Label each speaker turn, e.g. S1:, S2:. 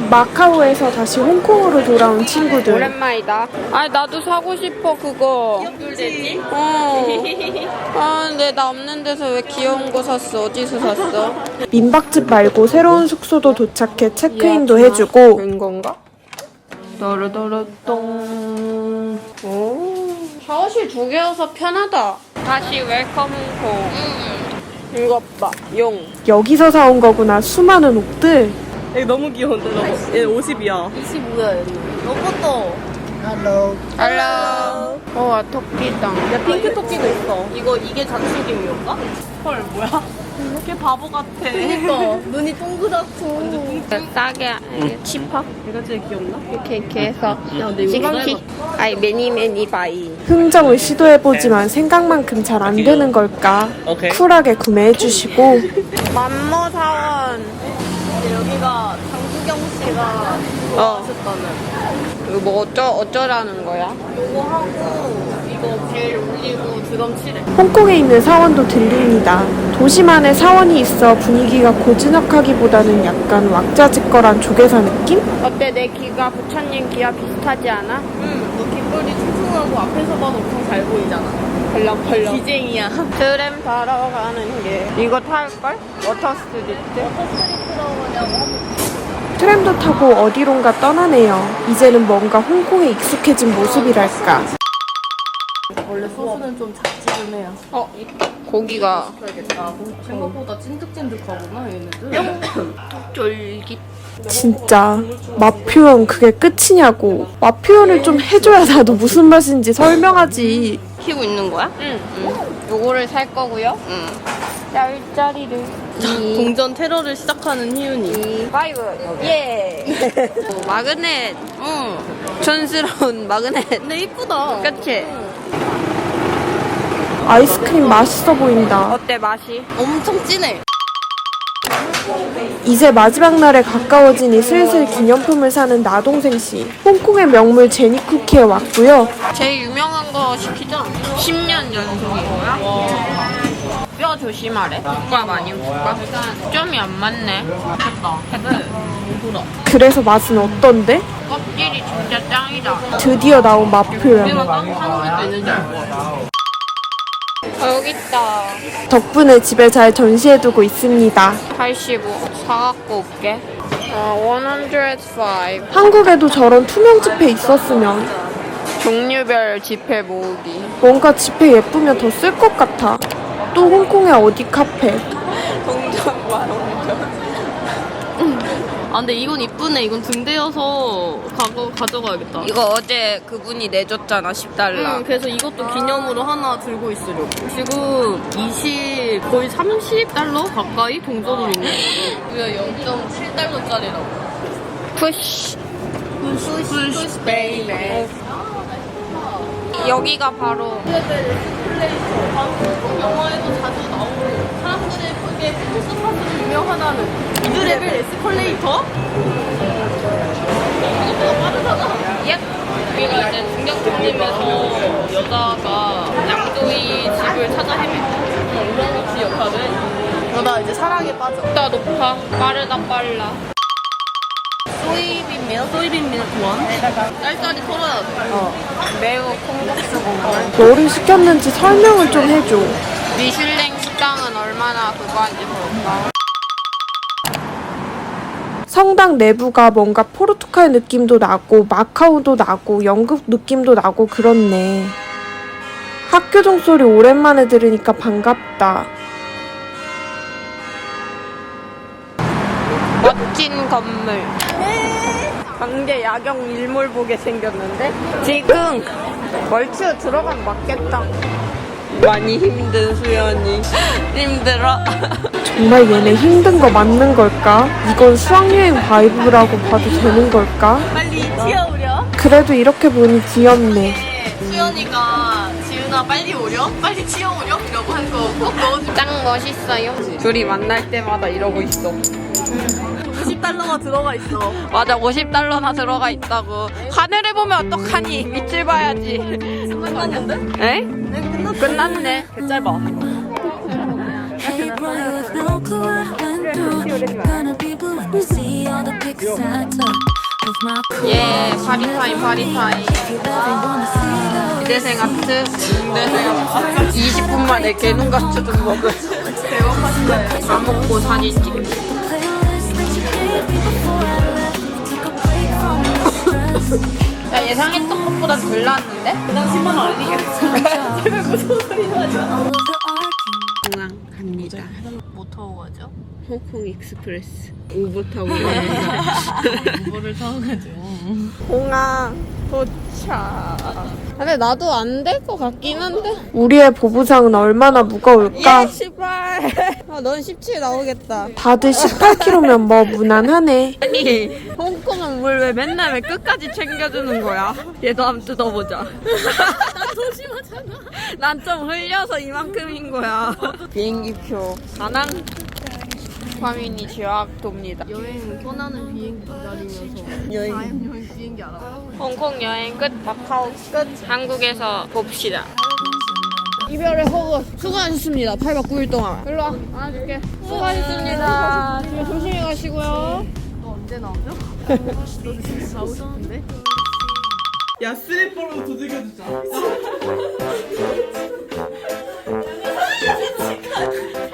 S1: 마카오에서 다시 홍콩으로 돌아온 친구들.
S2: 오랜만이다. 아니 나도 사고 싶어 그거.
S3: 꿀돼지?
S2: 근데 나 없는 데서 왜 귀여운 거 샀어? 어디서 샀어?
S1: 민박집 말고 새로운 숙소도 도착해 체크인도 해주고.
S2: 된 건가? 너르너르똥. 오. 샤워실 2개여서 편하다. 다시 웰컴 홍콩. 이것 봐. 용.
S1: 여기서 사온 거구나. 수많은 옷들.
S3: 얘 너무 귀여운데 너. 얘 50이야. 25야 얘. 너것도.
S2: 할로. 와 토끼다.
S3: 야 핑크 토끼도 있어. 이게 잔수김이었나? 헐 뭐야? 이렇게 바보 같아. 그니까 눈이 동그랗고.
S2: 싸게 치파?
S3: 얘가 제일 귀엽나?
S2: 이렇게 해서
S3: 근데 이거
S2: 시간키. 아이 매니 바이.
S1: 흥정을 시도해보지만 생각만큼 잘 안 되는 걸까. 쿨하게 구매해주시고.
S2: 만모 사원.
S3: 여기가 장수경 씨가 좋아하셨다는.
S2: 이거 뭐 어쩌라는 거야?
S3: 요거 하고 이거 벨 올리고 드럼 칠해.
S1: 홍콩에 있는 사원도 들립니다. 도시만의 사원이 있어 분위기가 고즈넉하기보다는 약간 왁자지껄한 조개사 느낌?
S2: 어때 내 귀가 부처님 귀와 비슷하지 않아?
S3: 너 귓볼이 퉁퉁하고 앞에서 봐도 엄청 잘 보이잖아.
S2: 펄럭펄럭.
S3: 기쟁이야.
S2: 트램 타러 가는 게 이거 탈걸? 워터스트리트?
S3: 스트리트라고 하냐고.
S1: 트램도 타고 어디론가 떠나네요. 이제는 뭔가 홍콩에 익숙해진 모습이랄까.
S3: 원래 소스는 좀 작지근해요.
S2: 고기가
S3: 그래야겠다. 생각보다 찐득찐득하구나 얘네들.
S2: 쫄깃.
S1: 진짜 맛 표현 그게 끝이냐고. 맛 표현을 좀 해줘야 나도 무슨 맛인지 설명하지.
S3: 키고 있는 거야?
S2: 응. 요거를 살 거고요.
S3: 응.
S2: 짤짜리를.
S3: 동전 테러를 시작하는 희윤이.
S2: 5. 예. 마그넷.
S3: 응.
S2: 촌스러운 마그넷.
S3: 근데 이쁘다.
S2: 그치?
S1: 아이스크림 맛있어 보인다.
S2: 어때 맛이?
S3: 엄청 진해.
S1: 이제 마지막 날에 가까워지니 슬슬 기념품을 사는 나동생씨. 홍콩의 명물 제니쿠키에 왔고요.
S2: 제일 유명한 거 시키자. 10년 연속이고요. 뼈 조심하래. 국밥 아니면 국밥? 점이 안 맞네.
S3: 됐다. 돌아.
S1: 그래서 맛은 어떤데?
S2: 껍질이 진짜 짱이다.
S1: 드디어 나온 맛 표현.
S3: 우리만 따로 사는 것도 있는지 알고.
S2: 여기 있다.
S1: 덕분에 집에 잘 전시해두고 있습니다.
S2: 85. 사갖고 올게. 105.
S1: 한국에도 저런 투명 지폐 있었으면.
S2: 종류별 지폐 모으기.
S1: 뭔가 지폐 예쁘면 더 쓸 것 같아. 또 홍콩의 어디 카페.
S2: 동전 봐, 동전.
S3: 아 근데 이건 이쁘네. 이건 등대여서 가져가야겠다.
S2: 이거 어제 그분이 내줬잖아, 10달러.
S3: 그래서 이것도 기념으로 하나 들고 있으려고. 지금 거의 30달러 가까이 동전으로 있네. 뭐야 0.7달러짜리라고.
S2: 푸쉬.
S3: 푸시 베이베.
S2: 여기가 바로
S3: 한국 영화에도 자주 나오고 사람들이 그게 포토스팟으로 유명하다는 미드레벨 에스컬레이터? 생각보다 빠르잖아.
S2: 예.
S3: 여기가 이제 중력장님에서 여자가 양조이 집을 찾아 헤매고 우렁각시 역할을 그러다 이제 사랑에 빠져.
S2: 높다 높아. 빠르다 빨라.
S3: 소이빈밀 구원 짤짤이 털어야 돼.
S2: 매우 콩국수 국물.
S1: 뭐를 시켰는지 설명을 좀 해줘.
S2: 미슐랭 식당은 얼마나 그거 한지 볼까?
S1: 성당 내부가 뭔가 포르투갈 느낌도 나고 마카오도 나고 영국 느낌도 나고 그렇네. 학교 종소리 오랜만에 들으니까 반갑다.
S2: 멋진 건물. 광대 야경 일몰 보게 생겼는데 지금 멀추 들어가면 맞겠다. 많이 힘든 수연이 힘들어.
S1: 정말 얘네 힘든 거 맞는 걸까? 이건 수학여행 바이브라고 봐도 되는 걸까?
S3: 빨리 튀어오려.
S1: 그래도 이렇게 보니 귀엽네.
S3: 수연이가 지은아 빨리 오려? 빨리 튀어오려? 이라고 한 거 꼭 넣어줘.
S2: 짱 멋있어요. 둘이 만날 때마다 이러고 있어.
S3: 50달러가 들어가 있어.
S2: 맞아, 50달러나 들어가 있다고. 하늘을 보면 어떡하니? 밑을 봐야지.
S3: 끝났는데?
S2: 에? 끝났네.
S3: 개 짧아.
S4: Hey boy with no clue what I'm doing. Gonna be blue when you see all all the pics I took with my
S2: 예, 파리타임, 파리타임. 기대생 아트, 기대생 아트. 20분 만에 개눈같이 좀 먹은. 배고팠어요. 다 먹고 사진 찍기.
S4: playlist that you gave me before I left. Took a break from the stress.
S2: 야, 예상했던 것보단 덜 나왔는데?
S4: All of the arguments.
S2: 공항 갑니다.
S3: 뭐 타고 가죠?
S2: 홍콩 익스프레스. 우버 타고
S3: 우버를 타고 가죠.
S2: 공항 도착. 근데 나도 안 될 것 같긴 한데.
S1: 우리의 보부상은 얼마나 무거울까?
S2: 시발. 아, 넌 17 나오겠다.
S1: 다들 18kg면 뭐 무난하네.
S2: 아니, 홍콩은 물 왜 맨날 왜 끝까지 챙겨주는 거야? 얘도 한번 뜯어보자. 난 조심하잖아. 난 좀 흘려서 이만큼인 거야. 비행기표. 다낭. 화민이 지역도입니다.
S3: 여행 떠나는 비행기 기다리면서
S2: 여행.
S3: 여행 비행기 알아봐.
S2: 홍콩 여행 끝, 마카오 끝. 한국에서 봅시다. 이별의 허그 수고하셨습니다. 8박 9일 동안. 일로 와. 안아줄게. 수고하셨습니다. 집에 조심히 가시고요.
S3: 너 언제 나오죠? 너 진짜 가고 싶은데?
S5: 야 슬리퍼로 두들겨주자.